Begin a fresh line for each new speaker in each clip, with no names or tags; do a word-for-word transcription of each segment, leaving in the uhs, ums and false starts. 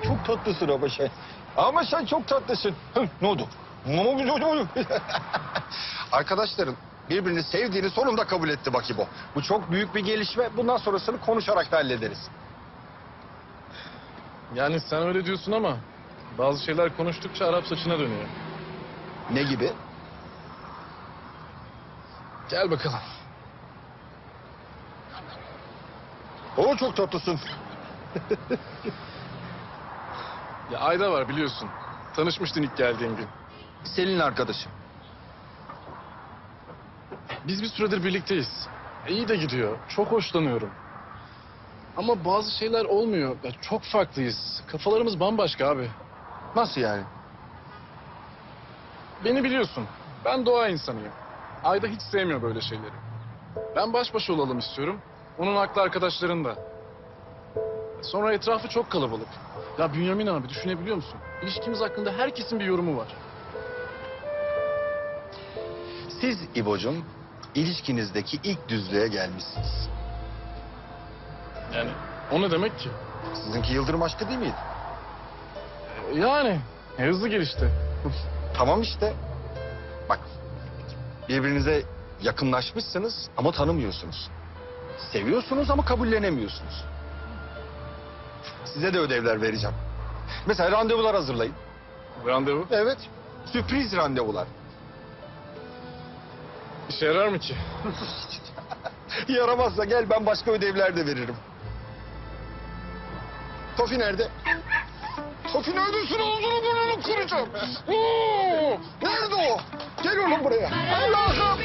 çok tatlısın ama şey. Ama sen çok tatlısın. Hı, ne oldu? Ne oldu? Ne oldu? Arkadaşların birbirini sevdiğini sonunda kabul etti bak İbo. Bu çok büyük bir gelişme. Bundan sonrasını konuşarak da hallederiz.
Yani sen öyle diyorsun ama bazı şeyler konuştukça Arap saçına dönüyor.
Ne gibi?
Gel bakalım.
Oo, çok tatlısın.
Ya Ayda var biliyorsun. Tanışmıştın ilk geldiğin gün.
Selin'in arkadaşı.
Biz bir süredir birlikteyiz. E, iyi de gidiyor. Çok hoşlanıyorum. Ama bazı şeyler olmuyor. Ya, çok farklıyız. Kafalarımız bambaşka abi.
Nasıl yani?
Beni biliyorsun. Ben doğa insanıyım. Ayda hiç sevmiyor böyle şeyleri. Ben baş başa olalım istiyorum. Onun aklı arkadaşlarında. Sonra etrafı çok kalabalık. Ya Bünyamin abi düşünebiliyor musun? İlişkimiz hakkında herkesin bir yorumu var.
Siz İbo'cum ilişkinizdeki ilk düzlüğe gelmişsiniz.
Yani o ne demek ki?
Sizinki yıldırım aşkı değil miydi?
E, Yani e, hızlı gelişti.
Tamam işte. Bak, birbirinize yakınlaşmışsınız ama tanımıyorsunuz. Seviyorsunuz ama kabullenemiyorsunuz. Size de ödevler vereceğim. Mesela randevular hazırlayın.
Randevu.
Evet. Sürpriz randevular.
İşe yarar mı ki?
Yaramazsa gel, ben başka ödevler de veririm. Tofi nerede? Tofi neredesin? Ağzını burnunu kıracağım. Oo, nerede o? Gel oğlum buraya. Allah'ım.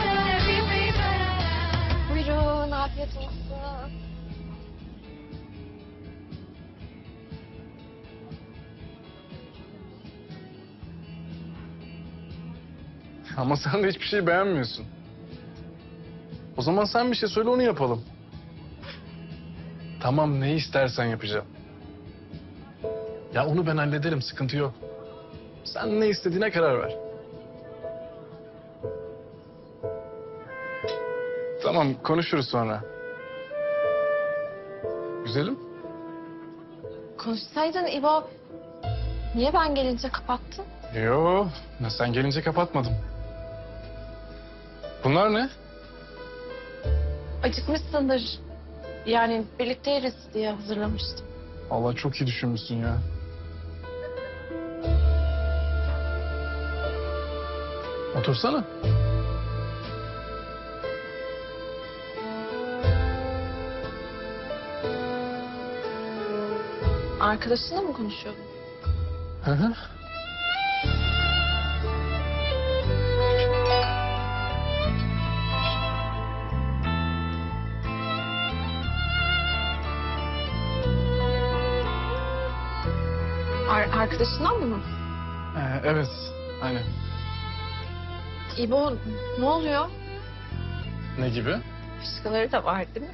Buyurun, afiyet olsun.
Ama sen de hiçbir şey beğenmiyorsun. O zaman sen bir şey söyle onu yapalım. Tamam ne istersen yapacağım. Ya onu ben hallederim sıkıntı yok. Sen ne istediğine karar ver. Tamam konuşuruz sonra. Güzelim.
Konuşsaydın İbo, niye ben gelince kapattın?
Yo sen gelince kapatmadım. Bunlar ne?
Acıkmışsındır. Yani birlikte yeriz diye hazırlamıştım.
Allah çok iyi düşünmüşsün ya. Otursana.
Arkadaşınla mı konuşuyordun?
Hı hı.
Ar arkadaşından mı?
Ee, evet, aynen.
İbo, ne oluyor?
Ne gibi?
Başkaları da var değil mi?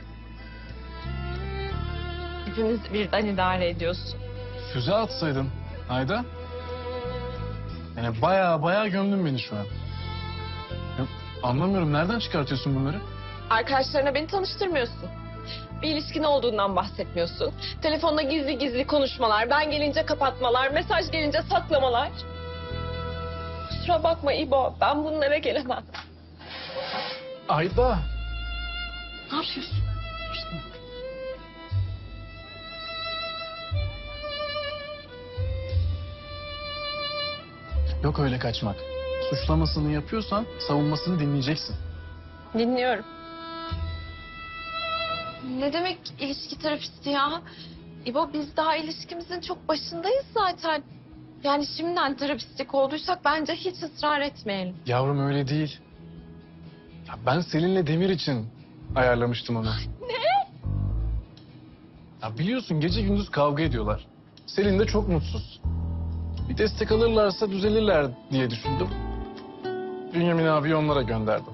Hepimiz birden idare ediyorsun.
Füze atsaydın Ayda. Yani bayağı bayağı gömdün beni şu an. Ya, anlamıyorum nereden çıkartıyorsun bunları?
Arkadaşlarına beni tanıştırmıyorsun. Bir ilişkin olduğundan bahsetmiyorsun. Telefonda gizli gizli konuşmalar, ben gelince kapatmalar, mesaj gelince saklamalar. Kusura bakma İbo, ben bunlara gelemem.
Ayda.
Ne yapıyorsun?
Yok öyle kaçmak. Suçlamasını yapıyorsan savunmasını dinleyeceksin.
Dinliyorum. Ne demek ilişki terapisti ya? İbo, biz daha ilişkimizin çok başındayız zaten. Yani şimdiden terapistlik olduysak bence hiç ısrar etmeyelim.
Yavrum öyle değil. Ya ben Selin'le Demir için ayarlamıştım onu.
Ne?
Ya biliyorsun gece gündüz kavga ediyorlar. Selin de çok mutsuz. Bir destek alırlarsa düzelirler diye düşündüm. Bünyamin abi onlara gönderdim.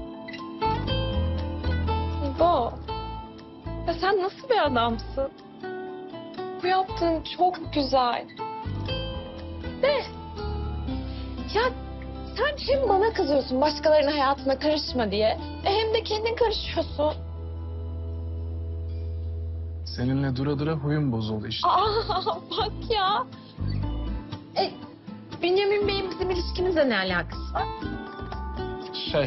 İbo, ya sen nasıl bir adamsın? Bu yaptığın çok güzel. De, ya sen hem bana kızıyorsun başkalarının hayatına karışma diye, e hem de kendin karışıyorsun.
Seninle dura dura huyum bozuldu işte.
Aa, bak ya. E, Bünyamin Bey'in bizim ilişkimizle ne alakası var?
Şey...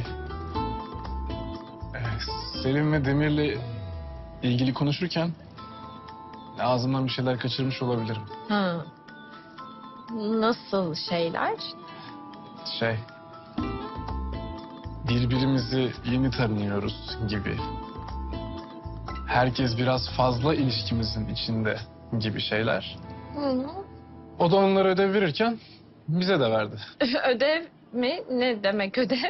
e, Selim ve Demir'le ilgili konuşurken ağzımdan bir şeyler kaçırmış olabilirim.
Ha. Nasıl şeyler?
Şey... Birbirimizi yeni tanıyoruz gibi. Herkes biraz fazla ilişkimizin içinde gibi şeyler.
Hı.
O da onlara ödev verirken bize de verdi.
Ödev mi? Ne demek ödev?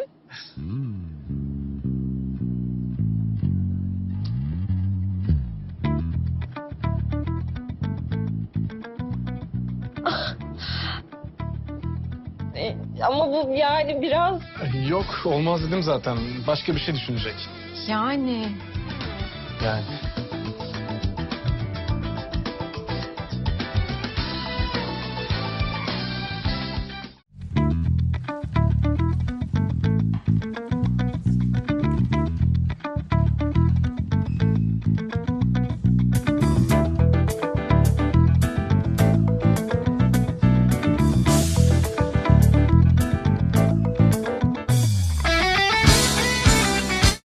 E, ama bu yani biraz...
Yok olmaz dedim zaten. Başka bir şey düşünecek.
Yani...
Yani